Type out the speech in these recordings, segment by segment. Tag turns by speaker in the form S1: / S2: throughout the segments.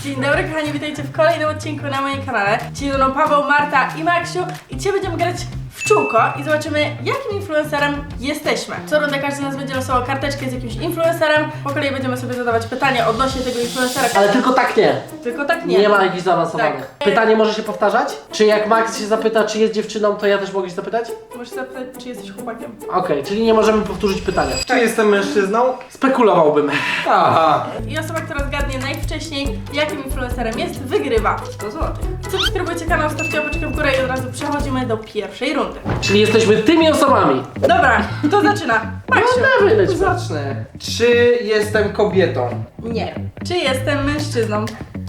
S1: Dzień dobry kochani, witajcie w kolejnym odcinku na moim kanale. Dzisiaj ze mną Paweł, Marta i Maksiu i dzisiaj będziemy grać w czółko i zobaczymy, jakim influencerem jesteśmy. Co rundę każdy z nas będzie losował karteczkę z jakimś influencerem. Po kolei będziemy sobie zadawać pytania odnośnie tego influencera.
S2: Ale tylko tak nie.
S1: Tylko tak nie.
S2: Nie ma jakichś zaawansowanych.
S1: Tak.
S2: Pytanie może się powtarzać? Czy jak Max się zapyta, czy jest dziewczyną, to ja też mogę się zapytać?
S1: Możesz zapytać, czy jesteś chłopakiem.
S2: Okej, czyli nie możemy powtórzyć pytania.
S3: Czy jestem mężczyzną?
S2: Spekulowałbym.
S3: Aha.
S1: I osoba, która zgadnie najwcześniej, jakim influencerem jest, wygrywa 100 zł. Subskrybujcie kanał, stawcie łapeczkę w górę i od razu przechodzimy do pierwszej rundy.
S2: Czyli jesteśmy tymi osobami.
S1: Dobra, kto zaczyna? Maksiu.
S2: Dawaj, leć.
S3: Zacznę. Czy jestem kobietą?
S1: Nie. Czy jestem mężczyzną?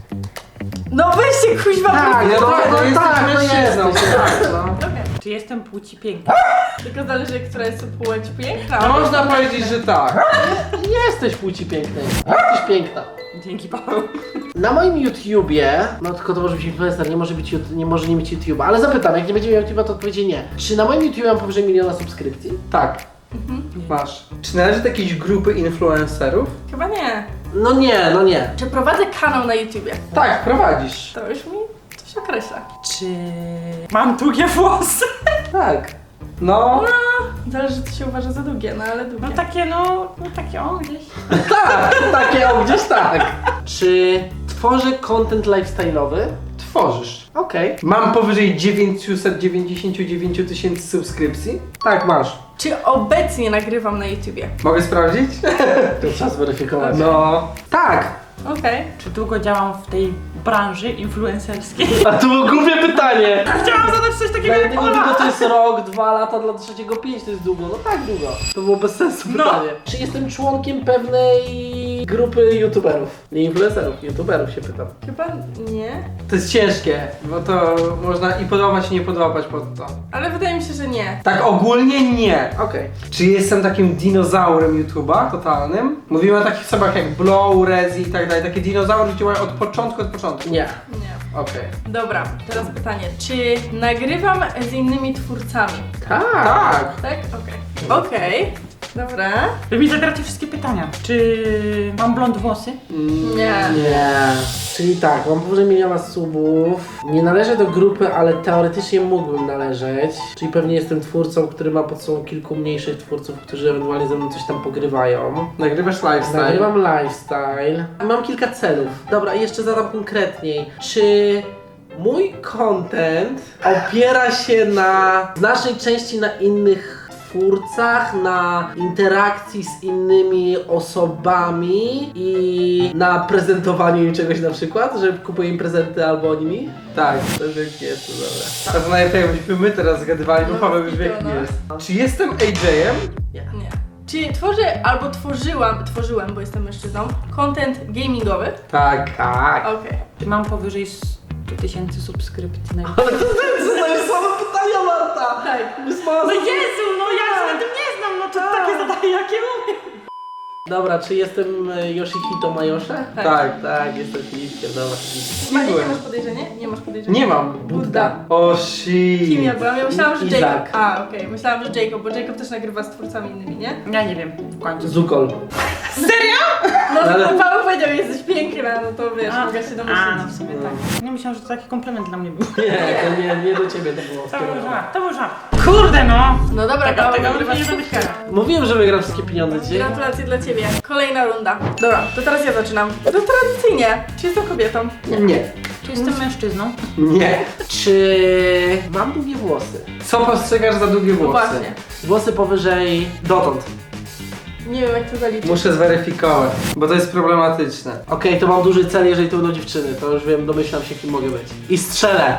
S1: No weźcie kuźwa
S2: Tak,
S3: no tak, no jesteś
S2: tak,
S3: mężczyzną.
S2: jesteś, tak, no.
S1: Okej.
S4: Czy jestem płci pięknej?
S1: Tylko zależy, która jest płeć piękna.
S3: No można powiedzieć, że tak.
S2: Jesteś płci pięknej. Jesteś piękna.
S4: Dzięki, Paweł.
S2: Na moim YouTubie, no tylko to może być influencer, nie może nie mieć YouTube'a, ale zapytam, jak nie będzie miał YouTube'a, to odpowiedzi nie. Czy na moim YouTubie mam powyżej 1 000 000 subskrypcji?
S3: Tak. Masz. Czy należy do jakiejś grupy influencerów?
S1: Chyba nie.
S2: No nie, no nie.
S1: Czy prowadzę kanał na YouTubie?
S3: Tak, prowadzisz.
S1: To już mi coś określa.
S4: Czy mam długie włosy?
S3: Tak. No.
S1: No, zależy, co się uważa za długie, no ale długie.
S4: No takie o gdzieś.
S2: Tak, takie o gdzieś tak. Czy tworzę content lifestyle'owy?
S3: Tworzysz.
S2: Okej.
S3: Mam powyżej 999 000 subskrypcji? Tak, masz.
S1: Czy obecnie nagrywam na YouTubie?
S3: Mogę sprawdzić?
S2: To trzeba zweryfikować.
S3: No. Tak.
S1: Okej.
S4: Czy długo działam w tej branży influencerskiej?
S2: A to było głupie pytanie.
S4: Chciałam zadać coś takiego
S2: Dla
S4: jak
S2: jednego
S4: Ola.
S2: długo to jest rok, 2 lata, dla trzeciego 5 to jest długo. No tak długo. To było bez sensu
S4: No.
S2: pytanie. Czy jestem członkiem pewnej grupy youtuberów? Nie influencerów, youtuberów się pytam.
S1: Chyba nie.
S3: To jest ciężkie, bo to można i podobać, i nie podobać pod to.
S1: Ale wydaje mi się, że nie.
S3: Tak ogólnie nie.
S2: Okej.
S3: Czy jestem takim dinozaurem YouTube'a totalnym? Mówimy o takich osobach jak Blow, Rezi i tak dalej. Takie dinozaury działają od początku.
S2: Nie.
S1: Nie.
S3: Okej.
S1: Dobra, teraz pytanie. Czy nagrywam z innymi twórcami?
S2: Tak.
S3: Tak.
S1: Tak? Okej. Okej. Dobra.
S4: Wy mi zabieracie wszystkie pytania. Czy mam blond włosy?
S1: Nie.
S2: Nie. Czyli tak, mam powyżej 1 000 000 subów. Nie należę do grupy, ale teoretycznie mógłbym należeć. Czyli pewnie jestem twórcą, który ma pod sobą kilku mniejszych twórców, którzy ewentualnie ze mną coś tam pogrywają.
S3: Nagrywasz lifestyle.
S2: Nagrywam lifestyle. Mam kilka celów. Dobra, i jeszcze zadam konkretniej. Czy mój content opiera się na znacznej części na innych twórcach, na interakcji z innymi osobami i na prezentowaniu im czegoś na przykład, że kupuję im prezenty albo oni mi?
S3: Tak.
S2: To jest jest, to dobra.
S3: To najlepiej jakbyśmy my teraz zgadywali, bo
S1: No,
S3: Paweł już wie
S1: no.
S3: kim jest. Czy jestem AJ-em?
S2: Nie.
S1: Nie. Czy tworzę albo tworzyłam, bo jestem mężczyzną, content gamingowy?
S3: Tak.
S2: Tak.
S1: Okej.
S4: Czy mam powyżej 100 000 subskrypcji na
S2: Ale to jest same pytania, Marta!
S1: Tak.
S4: No Jezu, no ja się na tym nie znam, no to takie zadaję jakie umiem.
S2: Dobra, czy jestem Yoshihito Majosze?
S3: Tak.
S2: Tak, jestem Filipkiem, dobra.
S1: Nie
S3: byłem.
S1: masz podejrzenia? Nie masz podejrzenia?
S3: Nie mam.
S1: Budda.
S3: O shit.
S1: Kim ja byłam? Ja myślałam, że
S2: Izak.
S1: Jacob. A, okej. Myślałam, że Jacob, bo Jacob też nagrywa z twórcami innymi, nie?
S4: Ja nie wiem, w końcu.
S2: Zukol.
S1: No,
S2: Ale-
S1: Paweł powiedział, że jesteś piękna, no to wiesz, mogę się domyślić.
S4: A, no w sumie tak. Nie myślałam, że to taki komplement dla mnie był.
S2: Nie, to nie do ciebie to było
S4: To był
S2: skierowane.
S4: żart, to był żart. Kurde no!
S1: No dobra,
S4: Tego
S1: Paweł,
S4: nie
S1: nagrywasz
S4: będę
S1: stówkę.
S4: chciała.
S2: Mówiłem, że wygram wszystkie pieniądze dzisiaj.
S1: Gratulacje dla ciebie. Kolejna runda. Dobra, to teraz ja zaczynam. To tradycyjnie. Czy jestem kobietą?
S3: Nie.
S4: Czy jestem mężczyzną?
S3: Nie.
S2: Czy mam długie włosy?
S3: Co postrzegasz za długie
S1: No
S3: włosy?
S1: właśnie.
S2: Włosy powyżej dotąd.
S1: Nie wiem, jak to zaliczyć.
S3: Muszę zweryfikować, bo to jest problematyczne.
S2: Okej, to mam duży cel, jeżeli to będą dziewczyny. To już wiem, domyślam się, kim mogę być. I strzelę.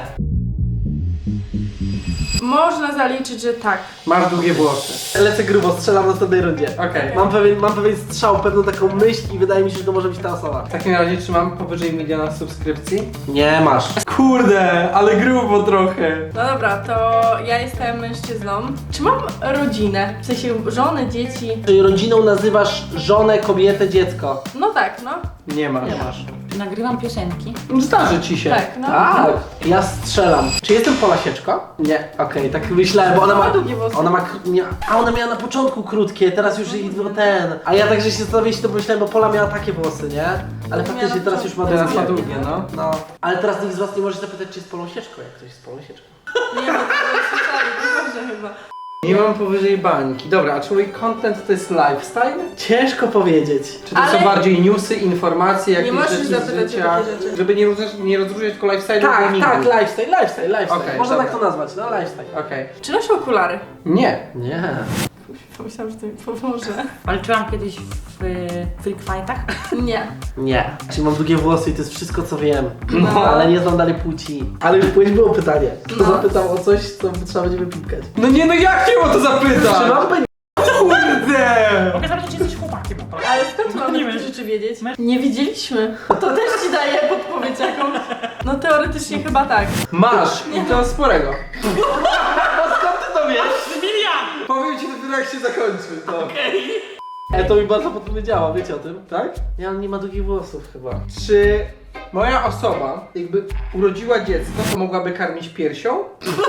S1: Można zaliczyć, że tak.
S3: Masz długie włosy.
S2: Lecę grubo, strzelam w następnej rundzie.
S3: Okej.
S2: Mam pewien strzał, pewną taką myśl i wydaje mi się, że to może być ta osoba.
S3: W takim razie, czy mam powyżej 1 000 000 subskrypcji?
S2: Nie masz.
S3: Kurde, ale grubo trochę.
S1: No dobra, to ja jestem mężczyzną. Czy mam rodzinę? W sensie żonę, dzieci?
S2: Czyli rodziną nazywasz żonę, kobietę, dziecko.
S1: No tak, no.
S3: Nie masz.
S1: Nie masz.
S4: Czy nagrywam piosenki?
S3: Zdarzy ci się.
S1: Tak, no.
S2: Tak, ja strzelam. Czy jestem Pola Sieczko? Nie. Okej, tak myślałem, bo ona ma...
S1: długie włosy.
S2: Ona ma... A ona miała na początku krótkie, teraz już jej ten. A ja także się zastanawiałem, to pomyślałem, bo Pola miała takie włosy, nie? Ale faktycznie teraz już ma
S3: Teraz ma
S2: długie.
S3: długie, no.
S2: No. Ale teraz nikt z was nie może zapytać, czy jest Polą Sieczką, jak ktoś jest Polą Sieczką.
S1: Nie, bo to słyszeli, to dobrze chyba.
S3: Nie mam powyżej bańki. Dobra, a czy mój content to jest lifestyle?
S2: Ciężko powiedzieć.
S3: Czy to
S1: Ale-
S3: są bardziej newsy, informacje, jakieś
S1: możesz
S3: rzeczy z
S1: zapytać o
S3: życia?
S1: takie rzeczy.
S3: Żeby nie rozróżniać tylko lifestyle
S2: Tak,
S3: gamingu.
S2: tak, lifestyle.
S3: Okej,
S2: Można
S3: dobra.
S2: tak to nazwać, no lifestyle.
S3: Okej.
S1: Czy noszę okulary?
S3: Nie.
S2: Nie.
S1: Pomyślałam, że to mi pomoże.
S4: Walczyłam kiedyś w freak fightach.
S1: Nie.
S2: Nie. Czy mam długie włosy i to jest wszystko, co wiem.
S1: No.
S2: Ale nie znam dalej płci. Ale już później było pytanie. To
S1: No.
S2: zapytał o coś, co trzeba będzie wypipkać.
S3: No nie, no jak cię o to zapytać?
S2: Czy mam będzie?
S3: Kurde!
S4: Mogę zapytać, czy jesteś chłopakiem.
S1: Ale skąd mamy takie rzeczy wiedzieć? Nie widzieliśmy. To też ci daje podpowiedź jakąś. No teoretycznie chyba tak.
S3: Masz! I to sporego.
S2: Skąd ty to wiesz?
S4: Emilia!
S3: Powiem ci dopiero jak się zakończy, to.
S2: To mi bardzo podpowiedziała, wiecie o tym?
S3: Tak?
S2: Nie, on nie ma długich włosów chyba.
S3: Czy moja osoba, jakby urodziła dziecko, to mogłaby karmić piersią?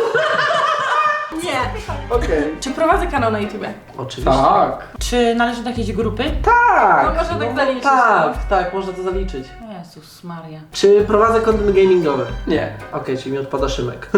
S1: Nie.
S3: Okej.
S1: Czy prowadzę kanał na YouTubie?
S2: Oczywiście.
S3: Tak.
S4: Czy należy do jakiejś grupy?
S2: Tak.
S1: No można tak zaliczyć,
S2: Tak, można to zaliczyć.
S4: Jezus Maria.
S2: Czy prowadzę content gamingowy?
S3: Nie.
S2: Okej, czyli mi odpada Szymek.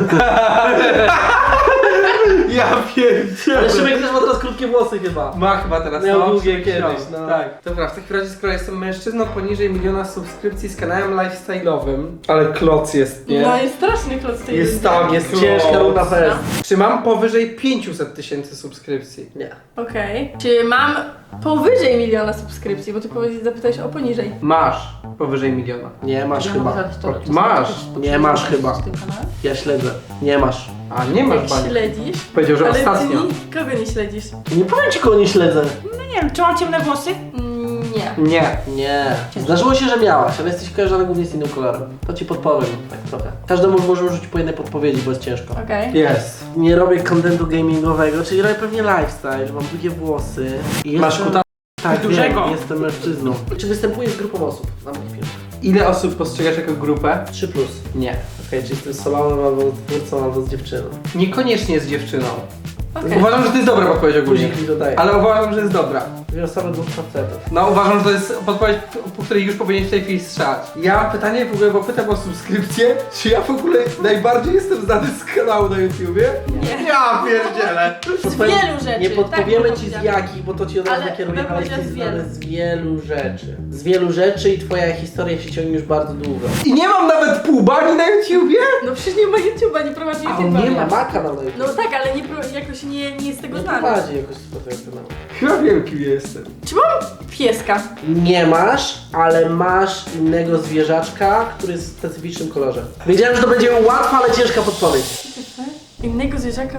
S3: Ja pierdzielę.
S2: Ale Szymek też ma teraz krótkie włosy chyba.
S3: Ma chyba teraz
S2: Miał
S3: no,
S2: długie
S3: Szymek
S2: kiedyś,
S3: miał.
S2: no.
S3: Tak. Dobra, w takim razie skoro jestem mężczyzną poniżej 1 000 000 subskrypcji z kanałem lifestyle'owym, ale kloc jest, nie?
S1: No jest straszny klot z tej
S3: Jest
S1: rundy.
S3: tam,
S2: Jest
S3: kloc.
S2: ciężka runda fest.
S3: Czy mam powyżej 500 000 subskrypcji?
S2: Nie.
S1: Okej. Czy mam powyżej 1 000 000 subskrypcji? Bo ty zapytałeś o poniżej.
S3: Masz powyżej 1 000 000.
S2: Nie masz
S4: Ja
S2: chyba.
S4: mogę zadać to, czy
S3: Masz.
S4: zobaczysz,
S2: Nie masz
S4: zobaczysz
S2: chyba.
S4: w tym kanale?
S2: Ja śledzę. Nie masz.
S3: A nie masz
S1: Jak
S3: bani.
S1: śledzisz?
S3: Powiedział, że
S1: Ale
S3: ostatnio.
S1: ty nikogo nie śledzisz.
S2: Nie powiem ci, kogo nie śledzę.
S4: No nie wiem, czy mam ciemne włosy?
S1: Nie.
S3: Nie.
S2: Nie. Zdarzyło się, że miałaś, ale jesteś kojarzona głównie z innym kolorem. To ci podpowiem, tak trochę. Każdemu możemy rzucić po jednej podpowiedzi, bo jest ciężko.
S1: Okej.
S3: Jest.
S2: Nie robię contentu gamingowego, czyli robię pewnie lifestyle, że mam długie włosy. I
S3: Masz
S2: jestem-
S3: kuta.
S2: Tak,
S4: dużego.
S2: wiem, jestem mężczyzną. Czy występuję z grupą osób na moich filmach?
S3: Ile osób postrzegasz jako grupę?
S2: 3+.
S3: Nie.
S2: Okej, czy jestem solonem, albo twórcą, albo z dziewczyną.
S3: Niekoniecznie z dziewczyną.
S1: Okej.
S3: Uważam, że to jest dobra podpowiedź ogólnie.
S2: Guzik mi dodaje.
S3: Ale uważam, że jest dobra.
S2: Dwie osoby, dwóch facetów.
S3: No uważam, że to jest podpowiedź, po której już powinieneś w tej chwili strzelać. Ja mam pytanie w ogóle, bo pytam o subskrypcję. Czy ja w ogóle najbardziej jestem znany z kanału na YouTubie?
S1: Nie.
S3: Ja pierdzielę.
S1: Z wielu rzeczy.
S2: Nie podpowiemy
S1: tak
S2: ci z
S1: powiedziałam.
S2: jakich, bo to ci od razu
S1: Ale
S2: nakieruje,
S1: bym
S2: ale
S1: powiedziała
S2: jesteś
S1: z wielu.
S2: znany z wielu rzeczy. Z wielu rzeczy i twoja historia się ciągnie już bardzo długo.
S3: I nie mam nawet pół bani na YouTubie?
S1: No przecież nie ma YouTube'a, nie prowadzi
S2: A on
S1: YouTube'a.
S2: nie ma kanał na YouTube.
S1: No tak, ale nie, jakoś nie jest z tego
S2: Nie
S1: znany.
S2: prowadzi jakoś swojego kanału.
S3: Chyba wiem, kim jestem.
S1: Czy mam pieska?
S2: Nie masz, ale masz innego zwierzaczka, który jest w specyficznym kolorze. Wiedziałem, że to będzie łatwa, ale ciężka podpowiedź.
S1: Innego zwierzaka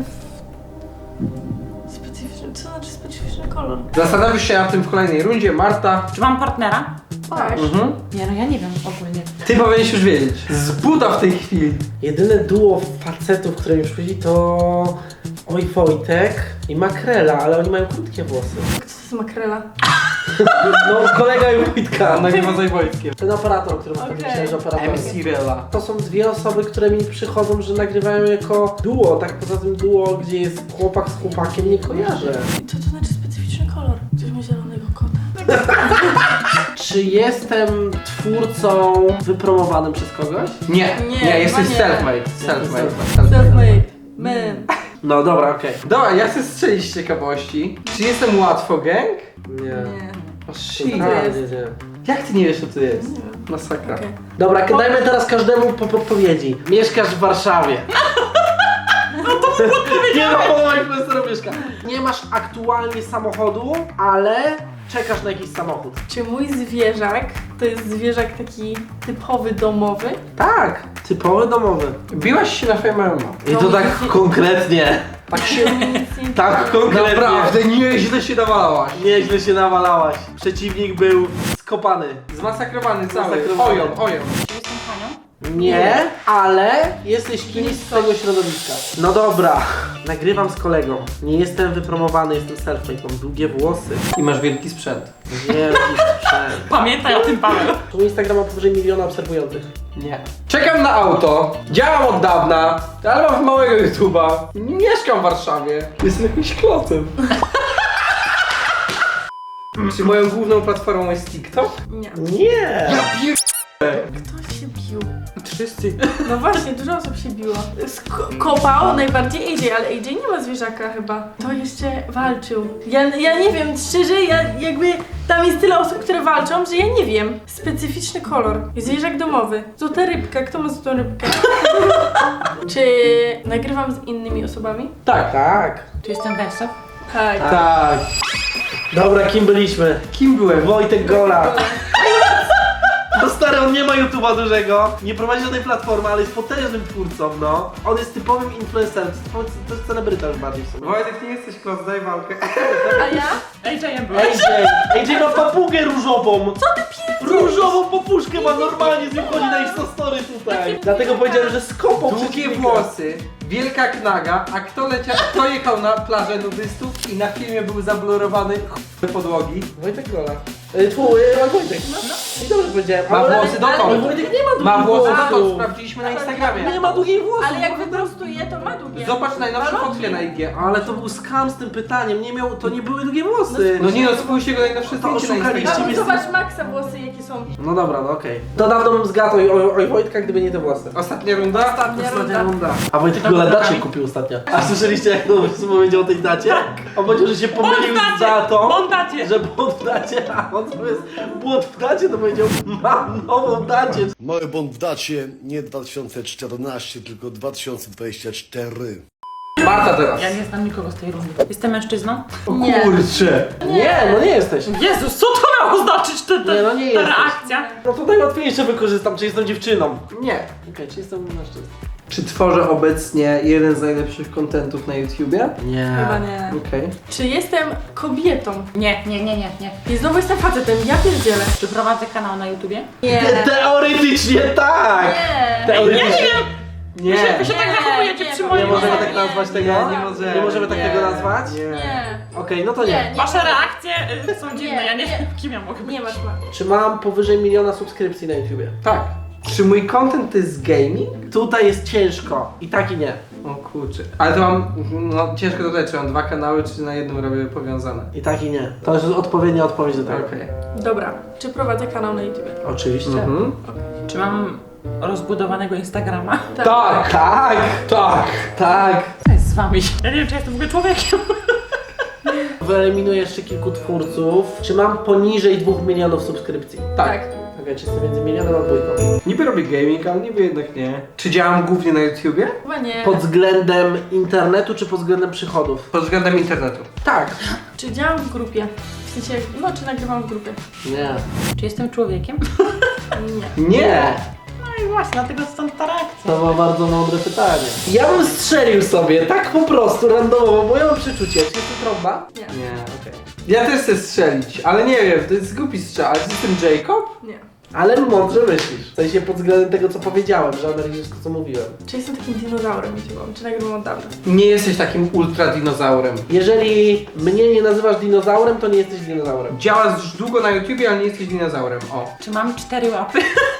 S1: w... Specyficzny... Co znaczy specyficzny kolor?
S3: Zastanowisz się nad tym w kolejnej rundzie, Marta.
S4: Czy mam partnera?
S1: Tak.
S3: Mhm.
S4: Nie, no ja nie wiem ogólnie.
S3: Ty powinieneś już wiedzieć. Z buta w tej chwili.
S2: Jedyne duo facetów, które mi przychodzi, to Oj Wojtek i Makrela, ale oni mają krótkie włosy.
S1: Co to jest makrela?
S2: No, kolega i Wojtka.
S3: Nagrywa z Wojtkiem.
S2: Ten operator, który
S1: Okej.
S2: myślałem, że operator.
S3: MC Rela.
S2: To są dwie osoby, które mi przychodzą, że nagrywają jako duo. Tak poza tym duo, gdzie jest chłopak z chłopakiem, nie kojarzę.
S1: Co to znaczy specyficzny kolor? Ktoś ma zielonego kota.
S2: Czy jestem twórcą wypromowanym przez kogoś?
S3: Nie,
S1: Nie,
S3: nie, jesteś
S1: chyba nie.
S3: self-made. Self-made.
S1: Self-made. Man.
S2: No dobra, okej.
S3: Dobra, ja chcę strzelić z ciekawości. Czy jestem łatwo gang?
S2: Nie.
S1: Nie.
S3: O shit.
S2: Totalnie nie.
S3: Jak ty nie wiesz, co to jest?
S1: Nie wiem.
S3: Masakra.
S1: Okej.
S2: Dobra, dajmy teraz każdemu po podpowiedzi. Mieszkasz w Warszawie. Nie ma połowa influencerów mieszka. Nie masz aktualnie samochodu, ale czekasz na jakiś samochód.
S1: Czy mój zwierzak to jest zwierzak taki typowy domowy?
S2: Tak, typowy domowy.
S3: Biłaś się na Fame MMA.
S2: I to tak konkretnie.
S3: Tak się...
S1: Nic nie
S2: Tak konkretnie.
S3: Naprawdę nieźle się nawalałaś.
S2: Nieźle się nawalałaś. Przeciwnik był skopany.
S3: Zmasakrowany cały.
S2: Zmasakrowany.
S3: Ojon.
S4: Czy jestem panią?
S2: Nie, ale jesteś kimś z tego środowiska. No dobra, nagrywam z kolegą. Nie jestem wypromowany, jestem self-made, mam długie włosy.
S3: I masz wielki sprzęt.
S2: Wielki sprzęt.
S4: Pamiętaj o tym, Paweł.
S2: Tu Instagram ma powyżej 1 miliona obserwujących.
S3: Nie. Czekam na auto, działam od dawna, ale mam małego YouTube'a. Nie mieszkam w Warszawie. Jestem jakimś klocem. Czy moją główną platformą jest TikTok?
S1: Nie.
S2: Nie!
S1: Kto się bił?
S3: Wszyscy.
S1: No właśnie, dużo osób się biło. Kopał najbardziej AJ, ale AJ nie ma zwierzaka chyba. To jeszcze walczył. Ja nie wiem, szczerze, jakby tam jest tyle osób, które walczą, że ja nie wiem. Specyficzny kolor. Zwierzak domowy. Złota rybka. Kto ma złotą rybkę? Czy nagrywam z innymi osobami?
S2: Tak, tak.
S4: Czy jestem Wersow?
S1: Tak.
S2: Tak. Dobra, kim byliśmy?
S3: Kim byłem?
S2: Wojtek Gola. No stary, on nie ma YouTube'a dużego, nie prowadzi żadnej platformy, ale jest potężnym twórcą, no. On jest typowym influencerem, to jest celebryta już bardziej w sumie.
S3: Wojtek, nie jesteś kloc, daj walkę.
S1: A ja?
S4: AJ-em byłem.
S2: AJ ma papugę różową. Co ty pierdolisz? Różową papuszkę ma normalnie, z nią chodzi na Instastory tutaj. Dlatego powiedziałem, że skopał
S3: Długie
S2: przeciwnika.
S3: włosy, wielka knaga, a kto jechał na plażę nudystów i na filmie był zablurowany podłogi?
S2: Wojtek Gola. Wojtek. I dobrze powiedziałem.
S3: Ma
S2: ale-
S3: włosy
S2: ale
S3: dotąd.
S2: Wojtek nie ma długich
S3: Ma włosy
S2: włosów.
S3: dotąd, sprawdziliśmy na Instagramie.
S2: Nie ma długich włosów.
S1: Ale jak wyprostuje, to ma długie.
S3: Zobacz najnowszą
S1: Ma
S3: fotkę na IG.
S2: Ale to był skam z tym pytaniem, to nie były długie włosy.
S3: No nie no, spójrz jego najnowsze zdjęcie na
S2: oszukaliście
S3: Instagramie.
S1: Ale zobacz Maxa włosy jakie są.
S2: No dobra, no okej. To dawno bym zgadł oj Wojtka, gdyby nie te włosy.
S3: Ostatnia runda?
S2: Ostatnia runda. A Wojtek Gola dacie kupił ostatnio. A słyszeliście jak to powiedział o tej dacie? On powiedział, że się pomylił z datą.
S4: Bondacie!
S2: Że błąd w dacie, a on zamiast błąd w dacie to powiedział mam nową dacie.
S5: Mały błąd w dacie, nie 2014, tylko 2024.
S3: Marta teraz.
S4: Ja nie znam nikogo z tej rundy. Jestem mężczyzną?
S3: O
S1: Nie.
S3: kurcze.
S2: Nie, no nie jesteś.
S4: Jezus, co to miało znaczyć
S2: Nie, no nie
S4: ta
S2: jesteś.
S4: reakcja?
S2: No to najłatwiejsze wykorzystam, czy jestem dziewczyną.
S3: Nie.
S2: Okej, czy jestem mężczyzną?
S3: Czy tworzę obecnie jeden z najlepszych kontentów na YouTubie?
S2: Nie.
S1: Chyba nie.
S3: Okej.
S1: Czy jestem kobietą?
S4: Nie.
S1: I znowu jestem facetem, ja pierdzielę.
S4: Czy prowadzę kanał na YouTubie?
S1: Nie.
S2: Teoretycznie tak!
S1: Nie.
S2: Teoretycznie.
S3: Nie.
S4: Wy się tak
S1: Nie,
S4: zachowujecie
S1: nie,
S4: przy
S1: nie
S4: moim
S2: Nie możemy
S1: nie,
S2: tak nazwać
S1: nie,
S2: tego?
S1: nie,
S2: Nie możemy tak tego nazwać?
S1: Nie.
S2: Okej, no to nie.
S4: Wasze reakcje są dziwne, ja nie
S1: nie.
S4: wiem, kim ja mogę być.
S1: Nie masz ma.
S2: Czy mam powyżej 1 miliona subskrypcji na YouTubie?
S3: Tak. Czy mój content to jest gaming?
S2: Tutaj jest ciężko. I tak i nie.
S3: O kurczę. Ale to mam, no ciężko dodać, czy mam dwa kanały, czy na jednym robię powiązane.
S2: I tak i nie. To jest odpowiednia odpowiedź do tego.
S3: Okej.
S1: Dobra. Czy prowadzę kanał na YouTube?
S2: Oczywiście.
S3: Mhm.
S4: Czy mam rozbudowanego Instagrama?
S3: Tak, tak, tak, tak.
S4: Co jest z wami? Ja nie wiem, czy jestem w ogóle człowiekiem.
S2: Wyeliminuję jeszcze kilku twórców. Czy mam poniżej 2 milionów subskrypcji?
S3: Tak.
S2: Okej, czy jestem między milionem a dwójką?
S3: Niby robię gaming, ale niby jednak nie. Czy działam głównie na YouTubie?
S1: Chyba nie.
S2: Pod względem internetu czy pod względem przychodów?
S3: Pod względem internetu.
S2: Tak.
S1: Czy działam w grupie? W sensie, no czy nagrywam w grupie?
S2: Nie.
S4: Czy jestem człowiekiem?
S1: Nie.
S2: Nie.
S4: No i właśnie, dlatego stąd ta reakcja.
S2: To ma bardzo mądre pytanie. Ja bym strzelił sobie, tak po prostu, randomowo, bo ja mam przeczucie. Czy jestem trąba?
S1: Nie.
S3: Nie, okej. Ja też chcę strzelić, ale nie wiem, to jest głupi strzał. Ale czy jestem Jacob?
S1: Nie.
S2: Ale mądrze myślisz. W sensie pod względem tego, co powiedziałem, że analizuję wszystko, co mówiłem.
S1: Czy jestem takim dinozaurem YouTube'owym? Czy nagrywam od dawna?
S3: Nie jesteś takim ultra dinozaurem.
S2: Jeżeli mnie nie nazywasz dinozaurem, to nie jesteś dinozaurem.
S3: Działasz już długo na YouTubie, ale nie jesteś dinozaurem. O.
S4: Czy mam 4 łapy?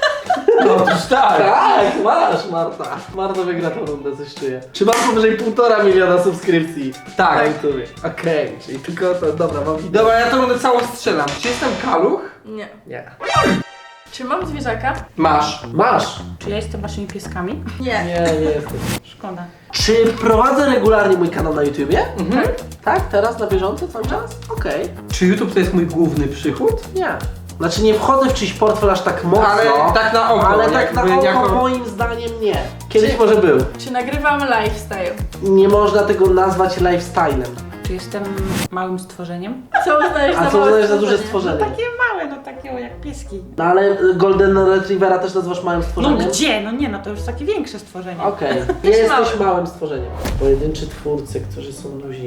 S3: No otóż tak.
S2: Tak, masz, Marta. Marta wygra tą rundę, coś czuję. Czy mam powyżej 1,5 miliona subskrypcji?
S3: Tak.
S2: Na YouTubie. Okej, czyli tylko to, dobra, mam wideo.
S3: Dobra, ja to będę całą strzelam. Czy jestem kaluch?
S1: Nie.
S2: Nie.
S1: Czy mam zwierzaka?
S3: Masz.
S2: Masz?
S4: Czy ja jestem waszymi pieskami?
S1: Nie.
S2: Nie jesteś.
S4: Szkoda.
S2: Czy prowadzę regularnie mój kanał na YouTubie?
S3: Mhm.
S2: Tak? Teraz na bieżąco cały czas? Okej.
S3: Czy YouTube to jest mój główny przychód?
S2: Nie. Znaczy nie wchodzę w czyjś portfel aż tak mocno.
S3: Ale tak na oko.
S2: Ale tak na
S3: jakby
S2: oko
S3: jako-
S2: moim zdaniem nie. Kiedyś
S1: Czy-
S2: może był.
S1: Czy nagrywam lifestyle?
S2: Nie można tego nazwać lifestylem.
S4: Czy jestem małym stworzeniem?
S1: Co uznajesz za
S2: A co
S1: małe
S2: uznajesz za duże
S1: stworzenie?
S2: stworzenie?
S4: Takie małe, no takie jak pieski.
S2: No ale Golden Retrievera też nazywasz małym
S4: No
S2: stworzeniem?
S4: gdzie? No nie, no to już takie większe stworzenie.
S2: Okej,
S1: Też
S2: jesteś
S1: mały.
S2: małym stworzeniem. Pojedynczy twórcy, którzy są duzi.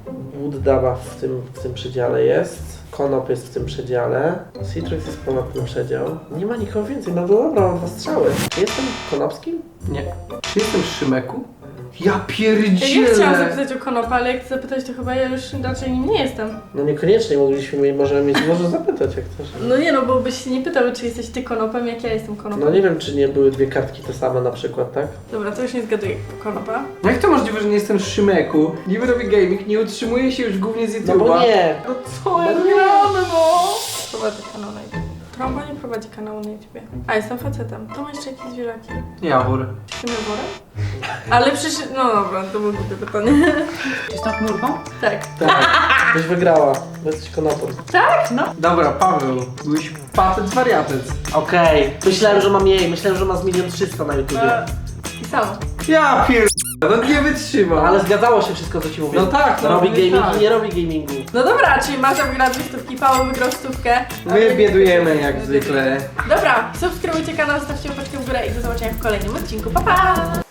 S2: Wood-daba w tym przedziale jest. Konop jest w tym przedziale. Citrus jest ponad ten przedział. Nie ma nikogo więcej. No dobra, mam 2 strzały. Czy jestem konopskim?
S3: Nie. Czy jestem Szymeku? Ja
S1: Ja
S3: pierdzielę!
S1: nie chciałam zapytać o konopa, ale jak zapytać, to chyba ja już raczej nim nie jestem.
S2: No niekoniecznie możemy mieć, może zapytać jak chcesz.
S1: No nie no, bo byś się nie pytał, czy jesteś ty konopem, jak ja jestem konopem.
S2: No nie wiem, czy nie były 2 kartki te same na przykład, tak?
S1: Dobra, to już nie zgaduję konopa.
S3: Jak to możliwe, że nie jestem Szymeku? Niby robię gaming, nie utrzymuję się już głównie z YouTube'a.
S2: No bo nie.
S3: No co ja
S2: No
S3: nie
S2: nie.
S3: mamy, no!
S1: Prowadzę kanał na YouTube. Trąba nie prowadzi kanału na YouTubie. A, jestem facetem. To ma jeszcze jakieś zwierzaki.
S3: Jawór.
S1: Czy tym jaworem? Ale przecież... No dobra, to było głupie pytanie.
S4: Czy z tą chmurką?
S1: Tak.
S2: Tak. Byś wygrała, bo jesteś konopem.
S1: Tak? No.
S3: Dobra, Paweł. Byłeś facet wariatec.
S2: Okej. Myślałem, że ma mniej. Myślałem, że ma z 1 300 000 na YouTubie.
S1: I samo.
S3: Ja no nie wytrzymam.
S2: Ale zgadzało się wszystko, co ci mówię.
S3: No tak, no,
S2: Robi
S3: nie
S2: gaming
S3: tak.
S2: i nie robi gamingu.
S1: No dobra, czyli Marta wygrała 2 stówki, Paweł wygrał 100.
S3: My biedujemy jak zwykle.
S1: Dobra, subskrybujcie kanał, zostawcie łapeczkę w górę i do zobaczenia w kolejnym odcinku. Pa, pa!